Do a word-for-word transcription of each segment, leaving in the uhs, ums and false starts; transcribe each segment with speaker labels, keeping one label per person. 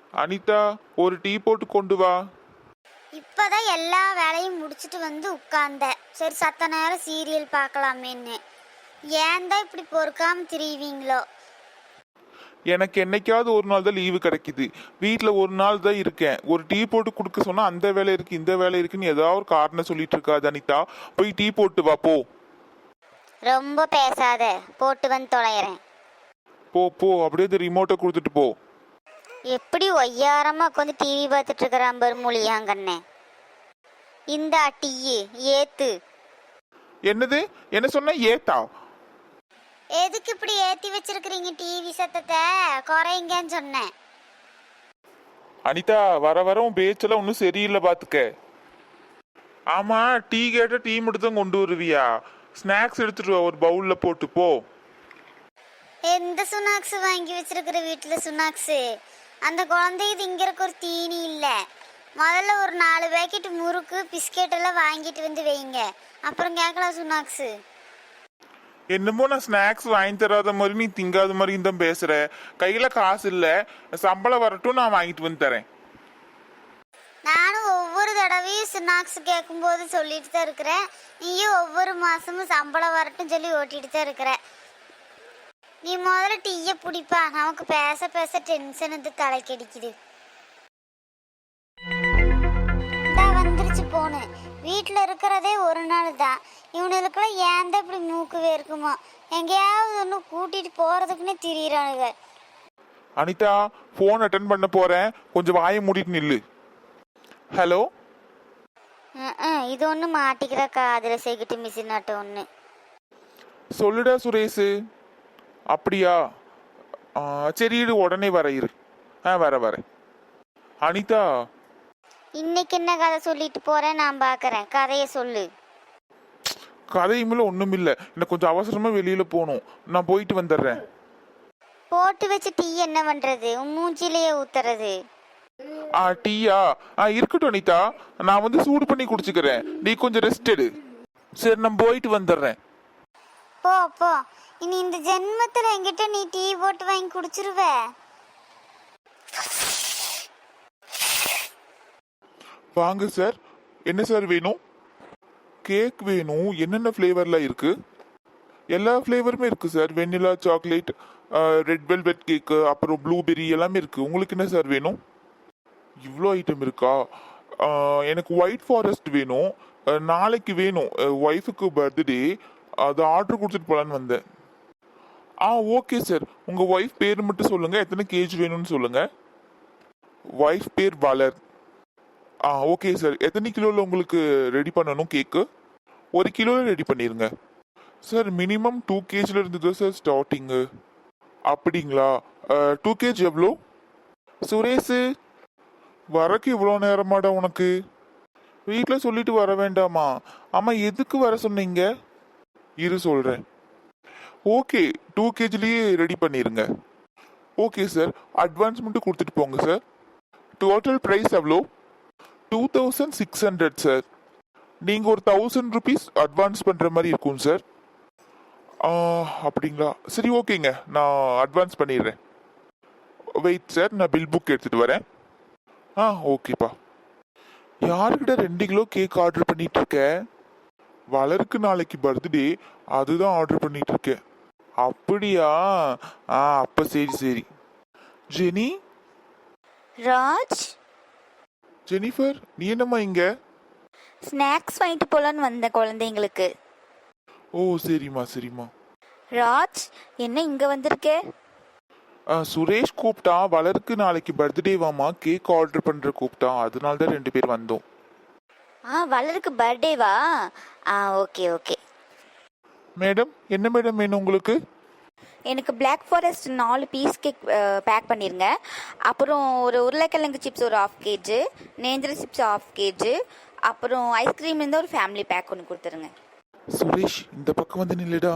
Speaker 1: அனிதா, ஒரு டீ போட்டு கொண்டு வா.
Speaker 2: இப்பதான் எல்லா வேலையும் முடிச்சிட்டு வந்து உட்கார்ந்த. சரி சத்த நேரம் சீரியல் பார்க்கலாமேன்னு. ஏன் தான் இப்படி பொறுக்காம திரிவீங்களோ?
Speaker 1: எனக்கு என்னைக்காவது ஒரு நாள் தான் லீவு கிடைக்குது. வீட்டில் ஒரு நாள் தான் இருக்கேன். ஒரு டீ போட்டு கொடுக்க சொன்னா அந்த வேலை இருக்கு இந்த வேலை இருக்குன்னு ஏதாவது ஒரு காரணம் சொல்லிட்டு இருக்காது அனிதா. போய் டீ போட்டு வா போ.
Speaker 2: ரொம்ப பேசாத, போட்டு வந்து தொலைகிறேன்.
Speaker 1: போ போ, அப்படியே இந்த ரிமோட்டை கொடுத்துட்டு போ.
Speaker 2: எப்படி ஒய்யாரமா உட்காந்து டிவி பார்த்துட்டு இருக்கிறான் பாரு மூலியாங்கண்ணே. இந்த டீ ஏத்து.
Speaker 1: என்னது? என்ன சொன்ன? ஏத்தா?
Speaker 2: எதுக்கு இப்படி ஏத்தி வச்சிருக்கிறீங்க டிவி சத்தத்தை? குறைங்கன்னு சொன்னேன்.
Speaker 1: அனிதா, வர வர உன் பேச்செல்லாம் ஒன்றும் சரியில்லை பாத்துக்க. ஆமா, டீ கேட்ட டீ மட்டும் தான் கொண்டு வருவியா? ஸ்நாக்ஸ் எடுத்துட்டு வா, ஒரு பவுல்ல போட்டு போ.
Speaker 2: எந்த சுனாக்ஸ் வாங்கி வச்சிருக்கிற வீட்டுல சுனாக்ஸ்? அந்த குழந்தைக்கு திங்கிறக்கு ஒரு தீனி இல்லை. முதல்ல ஒரு நாலு பேக்கெட் முறுக்கு பிஸ்கெட் எல்லாம் வாங்கிட்டு வந்து வைங்க, அப்புறம் கேட்கலாம் சுனாக்ஸ்.
Speaker 1: என்னமோ நான் ஸ்நாக்ஸ் வாங்கி தராத மாதிரி நீ திங்காத மாதிரி தான் பேசுற. கையில காசு இல்ல, சம்பளம் வரட்டும், நான் வாங்கிட்டு வந்து தரேன்.
Speaker 2: நானும் ஒவ்வொரு தடவையும் ஸ்நாக்ஸ் கேட்கும்போது சொல்லிட்டு தான் இருக்கிறேன். நீயும் ஒவ்வொரு மாசமும் சம்பளம் வரட்டும் சொல்லி ஓட்டிட்டு தான் இருக்கிற. நீ முதல்ல டீயை பிடிப்பா, நமக்கு பேச பேச டென்ஷன் வந்து தலைக்கடிக்குது. வந்துருச்சு போனு. வீட்டில் இருக்கிறதே ஒரு நாள் தான். இவனுக்கெல்லாம் ஏன் தான் இப்படி மூக்கு வேர்க்குமோ? எங்கேயாவது ஒன்று கூட்டிட்டு போறதுக்குன்னே திரியிறானுங்க.
Speaker 1: அனிதா, போன் அட்டன் பண்ண போறேன், கொஞ்சம் வாயை மூடிட்டு நில்லு. ஹலோ.
Speaker 2: இது ஒன்று மாட்டிக்கிற காதுல செகிட்டு மிஷின் ஆட்ட ஒன்று.
Speaker 1: சொல்லுடா சுரேஷ். அப்படியா? சரி, இரு, உடனே வர இரு. ஆ வர வர. அனிதா,
Speaker 2: இன்னைக்கு என்ன கதை சொல்லிட்டு போறேன் நான் பாக்குறேன். கதையை சொல்லு.
Speaker 1: கதையுமில்ல ஒண்ணும் இல்ல, எனக்கு கொஞ்சம் அவசரமா வெளியில போகணும், நான் போயிட்டு வந்துடுறேன்.
Speaker 2: போட்டு வச்சு டீ என்ன பண்றது? மூஞ்சிலேயே ஊத்துறது.
Speaker 1: ஆ டீயா? ஆ இருக்கட்டும் அனிதா, நான் வந்து சூடு பண்ணி குடிச்சுக்கிறேன், நீ கொஞ்சம் ரெஸ்ட் எடு. சரி, நான் போயிட்டு வந்துடுறேன்.
Speaker 2: போ போ, இனி இந்த ஜென்மத்துல என்கிட்ட நீ டீ போட்டு வாங்கி குடிச்சிருவ.
Speaker 1: வாங்க சார், என்ன சார் வேணும்? கேக் வேணும். என்னென்ன ஃப்ளேவர்லாம் இருக்கு? எல்லா ஃப்ளேவருமே இருக்கு sir. Vanilla, chocolate, red velvet cake, அப்புறம் ப்ளூபெரி எல்லாமே இருக்கு. உங்களுக்கு என்ன சார் வேணும்? இவ்வளோ ஐட்டம் இருக்கா? எனக்கு ஒயிட் ஃபாரஸ்ட் வேணும். நாளைக்கு வேணும், ஒய்ஃபுக்கு பர்த்டே, அது ஆர்டர் கொடுத்துட்டு போகலான்னு வந்தேன். ஆ ஓகே சார், உங்கள் ஒய்ஃப் பேர் மட்டும் சொல்லுங்கள், எத்தனை கேஜி வேணும்னு சொல்லுங்கள். ஒய்ஃப் பேர் வளர். ஆ ஓகே சார், எத்தனை கிலோவில் உங்களுக்கு ரெடி பண்ணணும் கேக்கு? ஒரு கிலோவில் ரெடி பண்ணிடுங்க சார். மினிமம் டூ கேஜில் இருந்து தான் சார் ஸ்டார்டிங்கு. அப்படிங்களா? டூ கேஜி எவ்வளோ? சுரேஷு, வரக்கு இவ்வளோ நேரமாடா உனக்கு? வீட்டில் சொல்லிட்டு வர வேண்டாமா? ஆமாம், எதுக்கு வர சொன்னீங்க? இரு சொல்கிறேன். ஓகே, டூ கேஜிலேயே ரெடி பண்ணிடுங்க. ஓகே சார், அட்வான்ஸ் மட்டும் கொடுத்துட்டு போங்க சார். டோட்டல் ப்ரைஸ் எவ்வளோ? Two thousand six hundred sir. நீங்கள் ஒரு தௌசண்ட் ருபீஸ் அட்வான்ஸ் பண்ணுற மாதிரி இருக்கும் சார். அப்படிங்களா? சரி ஓகேங்க, நான் அட்வான்ஸ் பண்ணிடுறேன். வெயிட் சார், நான் பில் புக் எடுத்துகிட்டு வரேன். ஆ ஓகேப்பா. யாருக்கிட்ட ரெண்டு கிலோ கேக் ஆர்டர் பண்ணிட்டு இருக்க? வளருக்கு நாளைக்கு பர்த்டே, அதுதான் ஆர்டர் பண்ணிட்டு இருக்கேன். அப்படியா? ஆ அப்ப சரி சரி. ஜெனி.
Speaker 3: ராஜ்.
Speaker 1: ஜெனிஃபர், நீ என்னம்மா இங்க?
Speaker 3: ஸ்நாக்ஸ் வாங்கிட்டு போலான்னு வந்த குழந்தைங்களுக்கு.
Speaker 1: ஓ சரிம்மா சரிம்மா.
Speaker 3: ராஜ், என்ன இங்க வந்திருக்க?
Speaker 1: சுரேஷ் கூப்பிட்டா, வளருக்கு நாளைக்கு பர்த்டே வாமா, கேக் ஆர்டர் பண்ற கூப்பிட்டா, அதனால தான் ரெண்டு பேர் வந்தோம்.
Speaker 3: ஆ வளருக்கு பர்த்டேவா? ஆ ஓகே ஓகே.
Speaker 1: மேடம், என்ன மேடம் வேணும் உங்களுக்கு?
Speaker 3: எனக்கு பிளாக் ஃபாரஸ்ட் நாலு பீஸ் கேக் பேக் பண்ணிருங்க. அப்புறம் ஒரு உருளைக்கிழங்கு சிப்ஸ் ஒரு ஆஃப் கேஜி, நேந்திர சிப்ஸ் ஆஃப் கேஜி, அப்புறம் ஐஸ்கிரீம் இருந்தால் ஒரு ஃபேமிலி பேக் ஒன்று கொடுத்துருங்க.
Speaker 1: சுரேஷ், இந்த பக்கம் வந்து நில்லுடா.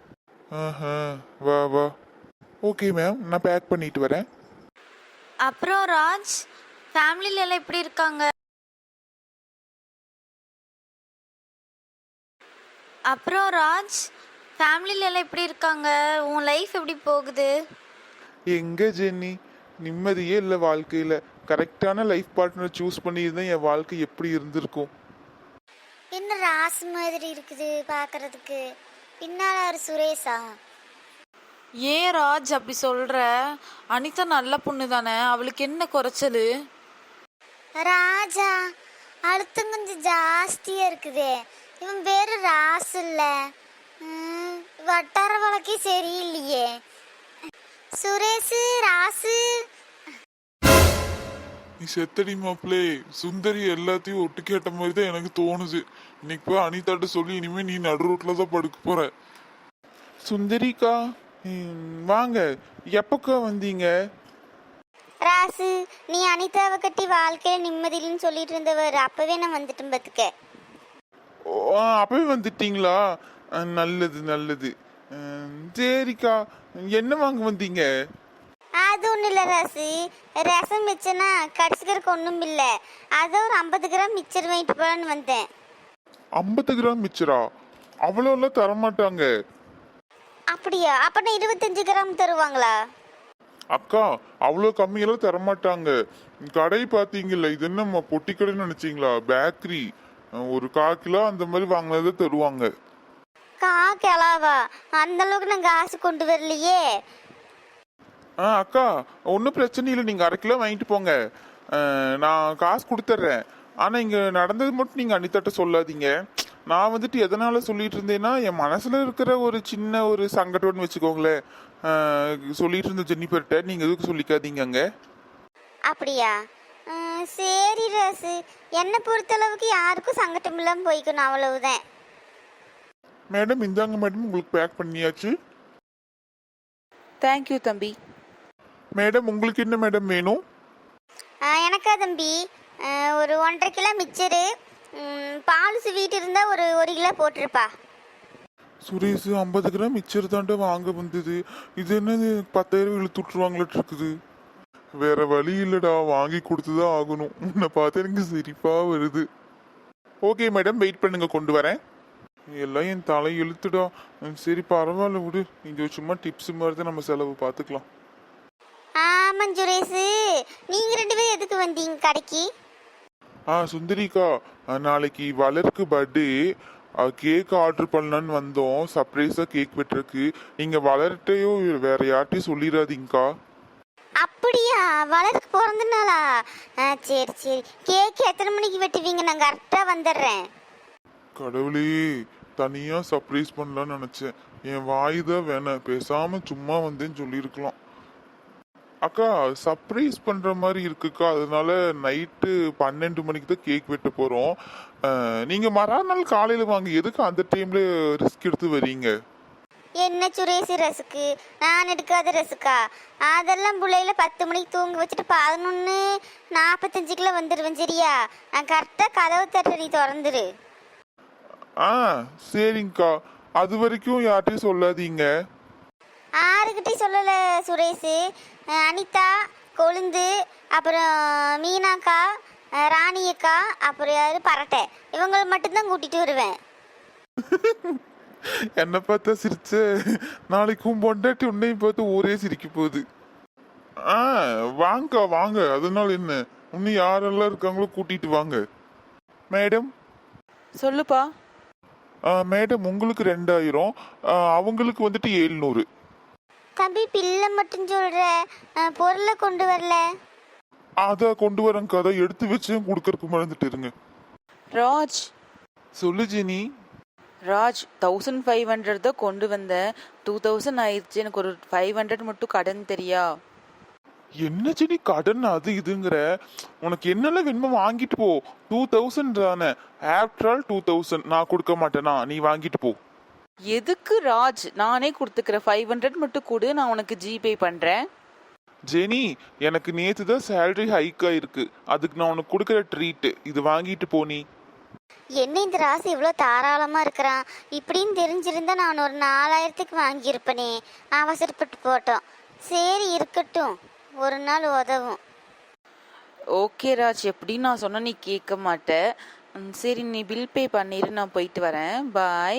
Speaker 1: வா வா. ஓகே மேம், நான் பேக் பண்ணிட்டு வரேன்.
Speaker 2: அப்புறம் ராஜ், ஃபேமிலில எல்லாம் எப்படி இருக்காங்க? அப்புறம் ராஜ், ஃபேமிலில எல்லாம் எப்படி இருக்காங்க? உன் லைஃப் எப்படி போகுது?
Speaker 1: எங்க ஜென்னி, நிம்மதியே இல்லை வாழ்க்கையில். கரெக்டான லைஃப் பார்ட்னர் சூஸ் பண்ணியிருந்தேன் என் வாழ்க்கை எப்படி இருந்திருக்கும்.
Speaker 2: என்ன ராசு மாதிரி இருக்குது பார்க்கறதுக்கு. பின்னால ஒரு சுரேஷா?
Speaker 4: ஏன் ராஜ் அப்படி சொல்ற? அனிதா நல்ல பொண்ணு தானே, அவளுக்கு என்ன குறைச்சலு?
Speaker 2: ராஜா அழுத்தம் கொஞ்சம் ஜாஸ்தியா இருக்குதே. இவன் பேரு ராசு இல்ல. ம், வட்டார வழக்கே சரியில்லையே. சுரேஷ் ராசு.
Speaker 1: நீ செத்தடி மாப்பிளே. சுந்தரி எல்லாத்தையும் ஒட்டு கேட்ட மாதிரி தான் எனக்கு தோணுது. இன்னைக்கு போய் அனிதாட்ட சொல்லி இனிமே நீ நடு ரோட்ல தான் படுக்க போற. சுந்தரிக்கா ம், வாங்க. எப்பக்கா வந்தீங்க?
Speaker 2: ராசு, நீ அனிதாவை கட்டி வாழ்க்கையில நிம்மதியில்னு சொல்லிட்டு இருந்தவர் அப்பவே நான் வந்துட்டேன் பத்துக்க.
Speaker 1: ஓ, ஆ, அப்பவே வந்துட்டீங்களா? ஆ, நல்லது நல்லது. ம், சரிக்கா, என்ன வாங்க வந்தீங்க?
Speaker 2: அது ஒன்றும் இல்லை ராசு, ரசம் மிச்சனா கடிச்சுக்கிறதுக்கு ஒன்றும் இல்லை. அதை ஒரு ஐம்பது கிராம் மிச்சர் வாங்கிட்டு போகலான்னு வந்தேன்.
Speaker 1: ஐம்பது கிராம் மிச்சரா? அவ்வளோலாம் தரமாட்டாங்க.
Speaker 2: அப்படியா? அப்பனா இருபத்தஞ்சு கிராம் தருவாங்களா?
Speaker 1: அக்கா, அவ்வளோ கம்மியெல்லாம் தரமாட்டாங்க. கடை பார்த்தீங்கல்ல, இது என்ன பொட்டி கடைன்னு நினைச்சீங்களா? பேக்கரி. ஒரு கால் கிலோ அந்த மாதிரி வாங்கினதை தருவாங்க.
Speaker 2: கா கிளாவா? அந்த அளவுக்கு நான் காசு கொண்டு வரலையே.
Speaker 1: ஆ அக்கா, ஒன்றும் பிரச்சனை இல்லை. நீங்கள் அரை கிலோ வாங்கிட்டு போங்க. ஆ, நான் காசு கொடுத்துட்றேன். ஆனால் இங்கே நடந்தது மட்டும் நீங்கள் அனிதாட்ட சொல்லாதீங்க. நான் வந்துட்டு எதனால சொல்லிட்டு இருந்தேன்னா, என் மனசில் இருக்கிற ஒரு சின்ன ஒரு சங்கடம்னு வச்சுக்கோங்களேன். ஆ, சொல்லிட்டு இருந்த ஜென்னிஃபர்கிட்ட நீங்கள் எதுக்கு சொல்லிக்காதீங்க அங்கே.
Speaker 2: அப்படியா? ம், சரி ராசு, என்னை பொறுத்தளவுக்கு யாருக்கும் சங்கடம் இல்லாமல் போய்க்கணும், அவ்வளவுதான்.
Speaker 1: மேடம் இந்தாங்க மேடம், உங்களுக்கு பேக் பண்ணியாச்சு.
Speaker 4: தேங்க்யூ தம்பி.
Speaker 1: மேடம் உங்களுக்கு என்ன மேடம் வேணும்?
Speaker 2: ஆ, எனக்கா தம்பி ஆ, ஒரு ஒன்றரை கிலோ மிச்சரு, ம், பால் ஸ்வீட் இருந்தால் ஒரு ஒரு கிலோ போட்டிருப்பா.
Speaker 1: சுரேஷ், ஐம்பது கிராம் மிச்சர் தாண்டா வாங்க வந்தது. இது என்னது பத்தாயிரம் இழுத்து விட்டுருவாங்களாட்டு இருக்குது. வேற வழி இல்லடா, வாங்கி கொடுத்துதான் ஆகணும். உன்னை பார்த்து எனக்கு சிரிப்பா வருது. ஓகே மேடம், வெயிட் பண்ணுங்க, கொண்டு வரேன். எல்லாம் என் தலை இழுத்துடா. சரி பரவாயில்ல விடு, இங்க சும்மா டிப்ஸ் மாதிரி தான் நம்ம செலவு பார்த்துக்கலாம்.
Speaker 2: ஆமாம் சுரேஷு, நீங்கள் ரெண்டு பேரும் எதுக்கு வந்தீங்க கடைக்கு?
Speaker 1: ஆ சுந்தரிக்கா, நாளைக்கு வளருக்கு பர்த்டே, கேக் ஆர்டர் பண்ணலான்னு வந்தோம். சர்ப்ரைஸாக கேக் வெட்டுறதுக்கு. நீங்கள் வளர்கிட்டையோ வேற யார்ட்டையும் சொல்லிடாதீங்கக்கா.
Speaker 2: அப்படியா? வளருக்கு பிறந்தனாளா? ஆ, சரி சரி. கேக் எத்தனை மணிக்கு வெட்டுவீங்க? நான் கரெக்டாக வந்துடுறேன்.
Speaker 1: கடவுளே, தனியா சர்ப்ரைஸ் பண்ணலான்னு நினைச்சேன். என் வாய் தான் வேணாம், பேசாம சும்மா வந்தேன்னு சொல்லியிருக்கலாம். அக்கா, சர்ப்ரைஸ் பண்ற மாதிரி இருக்குக்கா. அதனால நைட்டு பன்னெண்டு மணிக்கு தான் கேக் வெட்ட போறோம். அஹ், நீங்க மறுநாள் காலையில வாங்க. எதுக்கு அந்த டைம்ல ரிஸ்க் எடுத்து வரீங்க?
Speaker 2: என்ன சுரேஷ் ரசுக்கு? நான் எடுக்காத ரசுக்கா? அதெல்லாம் பிள்ளையில பத்து மணிக்கு தூங்க வச்சுட்டு பதினொன்று நாற்பத்தஞ்சுக்குள்ள வந்துடுவேன். சரியா? நான் கரெக்டாக கதவு தட்ட நீ திறந்துரு.
Speaker 1: ஆ சரிங்கக்கா, அது வரைக்கும் யார்ட்டையும் சொல்லாதீங்க.
Speaker 2: யாருக்கிட்டையும் சொல்லலை சுரேஷ். அனிதா, கொழுந்து, அப்புறம் மீனாக்கா, ராணியக்கா, அப்புறம் யாரு பரட்டை, இவங்களை மட்டும்தான் கூட்டிட்டு வருவேன்.
Speaker 1: என்ன பார்த்தா சிரிச்ச? நாளைக்கும் பொண்டாட்டி உன்னையும் பார்த்து ஊரே சிரிக்க போகுது. ஆ வாங்கக்கா வாங்க, அதனால என்ன, இன்னும் யாரெல்லாம் இருக்காங்களோ கூட்டிட்டு வாங்க. மேடம்.
Speaker 4: சொல்லுப்பா.
Speaker 1: ஆ மேடம், உங்களுக்கு ரெண்டாயிரம், அவங்களுக்கு வந்துட்டு ஏழ்நூறு.
Speaker 2: தம்பி பிள்ளை மட்டும் சொல்ற, பொருளை கொண்டு வரல.
Speaker 1: அத கொண்டு வரேங்க, அதை எடுத்து வச்சு கொடுக்கறதுக்கு மறந்துட்டு இருங்க.
Speaker 4: ராஜ்.
Speaker 1: சொல்லு Jenny.
Speaker 4: Raj, thousand five hundred தான் கொண்டு வந்தேன். டூ தௌசண்ட் ஆயிடுச்சு. எனக்கு ஒரு ஃபைவ் ஹண்ட்ரட் மட்டும் கடன் தெரியா?
Speaker 1: என்ன ஜெனி கடன் அது இதுங்கிற? உனக்கு என்னெல்லாம் வேணுமோ வாங்கிட்டு போ. டூ தௌசண்ட் தானே, ஆஃப்டர் ஆல் டூ தௌசண்ட் நான் கொடுக்க மாட்டேனா? நீ வாங்கிட்டு போ.
Speaker 4: எதுக்கு ராஜ்? நானே கொடுத்துக்கிறேன். ஃபைவ் ஹண்ட்ரட் மட்டும் கொடு, நான் உனக்கு ஜிபே பண்றேன்.
Speaker 1: ஜெனி, எனக்கு நேத்து தான் சேலரி ஹைக் ஆயிருக்கு. அதுக்கு நான் உனக்கு கொடுக்குற ட்ரீட் இது, வாங்கிட்டு போ. நீ
Speaker 2: என்ன இந்த ராசி இவ்வளோ தாராளமாக இருக்கிறான்? இப்படின்னு தெரிஞ்சிருந்தா நான் ஒரு நாலாயிரத்துக்கு வாங்கியிருப்பேனே. அவசரப்பட்டு போட்டோம். சரி இருக்கட்டும், ஒரு நாள் உதவும்.
Speaker 4: ஓகே ராஜ், எப்படி நான் சொன்ன நீ கேட்க மாட்ட. ம், சரி நீ பில் பே பண்ணிரு, நான் போயிட்டு வரேன். பாய்.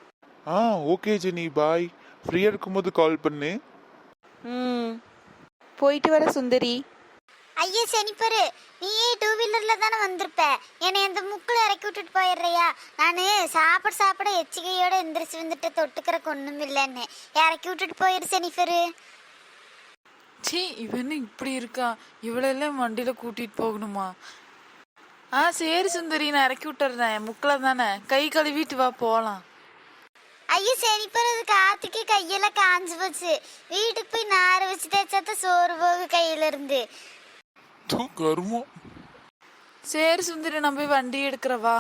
Speaker 1: ஆ ஓகே ஜெனி, பாய். ஃப்ரீயா இருக்கும்போது கால் பண்ணு.
Speaker 4: ம். போயிட்டு வர சுந்தரி.
Speaker 2: ஐயா செனிப்பரு, நீயே டூ வீலர்ல தானே வந்திருப்ப, என்னை அந்த முக்கில் இறக்கி விட்டுட்டு போயிடுறியா? நான் சாப்பிட சாப்பிட எச்சிகையோட எந்திரிச்சு வந்துட்டு தொட்டுக்கிறக்கு ஒன்றும் இல்லைன்னு இறக்கி விட்டுட்டு போயிரு செனிப்பரு.
Speaker 5: சீ, இவனு இப்படி இருக்கா, இவளெல்லாம் வண்டியில கூட்டிட்டு போகணுமா? ஆ சரி சுந்தரி, நான் இறக்கி விட்டுறேன். முக்கில் தானே, கை கழுவிட்டு வா போகலாம்.
Speaker 2: ஐயோ செனிப்பரு, அது காத்துக்கு கையெல்லாம் காஞ்சு போச்சு. வீட்டுக்கு போய் நார வச்சு தேய்ச்சாத்த சோறு போகு கையில இருந்து.
Speaker 1: தூ கருமம்.
Speaker 5: சரி சுந்தரி, நான் போய் வண்டி எடுக்கிறவா.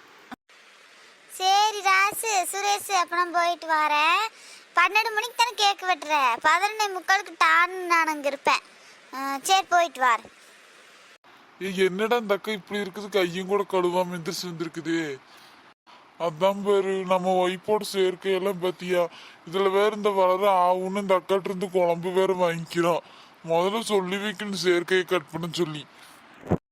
Speaker 2: சரி ராசு சுரேஷ், அப்ப நான் போயிட்டு வரேன். பன்னெண்டு மணிக்கு தானே கேக்கு வெட்டுற, பதினொன்னே முக்காலுக்கு டான்னு நான் அங்கே இருப்பேன். ஆ, சரி போயிட்டு வரேன்.
Speaker 1: ஏய், என்னடா இந்த அக்கா இப்படி இருக்குது, கையும் கூட கழுவாம எந்திரிச்சு வந்திருக்குது. அதான் பேரு நம்ம ஒய்ஃபோட சேர்க்கையெல்லாம் பத்தியா, இதுல வேற இந்த வளர ஆகுன்னு இந்த அக்காட்ட இருந்து குழம்பு வேற வாங்கிக்கிறோம். முதல்ல சொல்லி வைக்கணும் சேர்க்கையை கட் பண்ண சொல்லி.